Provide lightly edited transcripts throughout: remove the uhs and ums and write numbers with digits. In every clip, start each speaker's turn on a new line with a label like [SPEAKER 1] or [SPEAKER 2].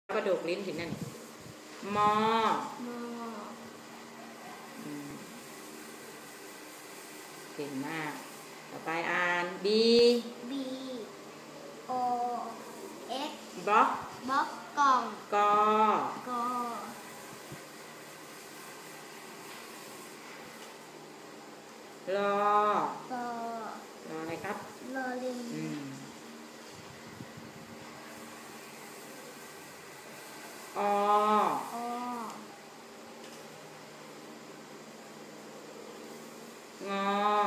[SPEAKER 1] กระดูกลิ้นถึงนั่นมอเก่งมากต่อไปอ่าน B
[SPEAKER 2] O X
[SPEAKER 1] บล็อก
[SPEAKER 2] กล่อง
[SPEAKER 1] กรออะไรครับ
[SPEAKER 2] ลอลิง
[SPEAKER 1] ออง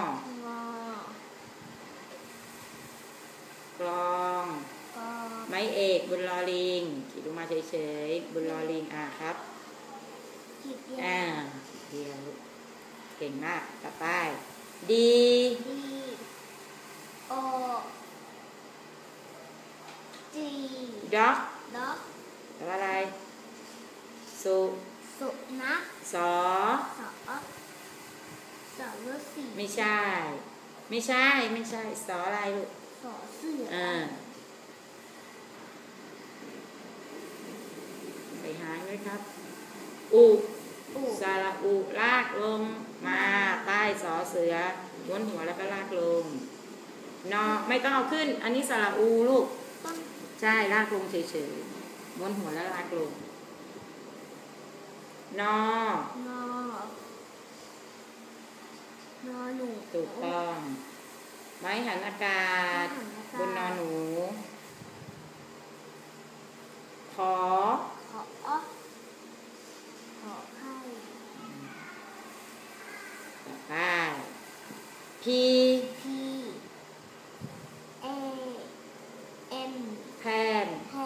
[SPEAKER 1] อกลองไม้เอกบนลอลิงขีดลงมาเฉยๆบนลอลิงครับเดียวเก่งมากต่อไปD
[SPEAKER 2] O G
[SPEAKER 1] ด็อกแปลว่าอะไรสุ
[SPEAKER 2] นัข
[SPEAKER 1] สอ
[SPEAKER 2] ฤาษี
[SPEAKER 1] ไม่ใช่สออะไรลูก
[SPEAKER 2] สอเสือ
[SPEAKER 1] ไปหางด้วยครับอุสระอุลากลงมาใต้สอเสือม้วนหัวแล้วก็ลากลงนอไม่ต้องเอาขึ้นอันนี้สระอูลูกใช่ลากลงเฉยๆม้วนหัวแล้วลากลงนอ
[SPEAKER 2] หนู
[SPEAKER 1] ถูกต้องไม้หันอากาศบนนอหนูขอ
[SPEAKER 2] ไข่
[SPEAKER 1] ต่อไปP
[SPEAKER 2] A N
[SPEAKER 1] แพน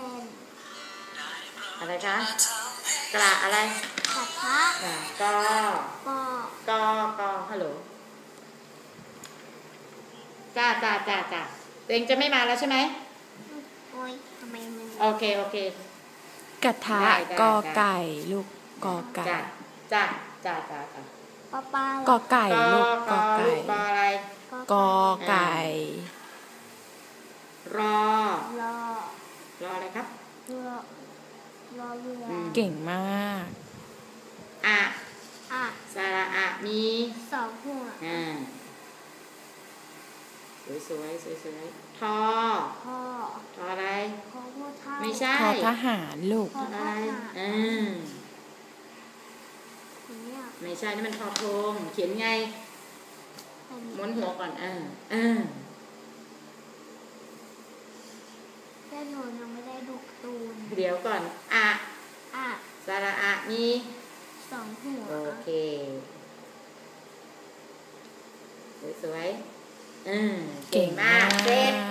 [SPEAKER 1] อะไรคะกระอะไร
[SPEAKER 2] กระทะ
[SPEAKER 1] กฮัลโหลจ้าตัวเองจะไม่มาแล้วใช่ไหม
[SPEAKER 2] โอ้ยทำไมมึง
[SPEAKER 1] โอเค
[SPEAKER 3] กระทะกอไก่ลูกกอไก่
[SPEAKER 1] จ้า
[SPEAKER 3] กอไก่ลูกกอไก่
[SPEAKER 1] กออะไร
[SPEAKER 3] กอไก่
[SPEAKER 1] รออะไรครับ
[SPEAKER 2] รอเรือ
[SPEAKER 3] เก่งมาก
[SPEAKER 1] สระอะมี
[SPEAKER 2] 2 หัว
[SPEAKER 1] สวยทออะไรไม่ใช่
[SPEAKER 3] ทอทหารลูก
[SPEAKER 1] อะไรไม่ใช่นี่มันทอทงเขียนไงม้วนหัวก่อน
[SPEAKER 2] แต่หนูยังไม่ได้ดูการ์ตูน
[SPEAKER 1] เดี๋ยวก่อนสระอะมี
[SPEAKER 2] 2 หัว
[SPEAKER 1] โอเคสวยเก่งมากเสร็จ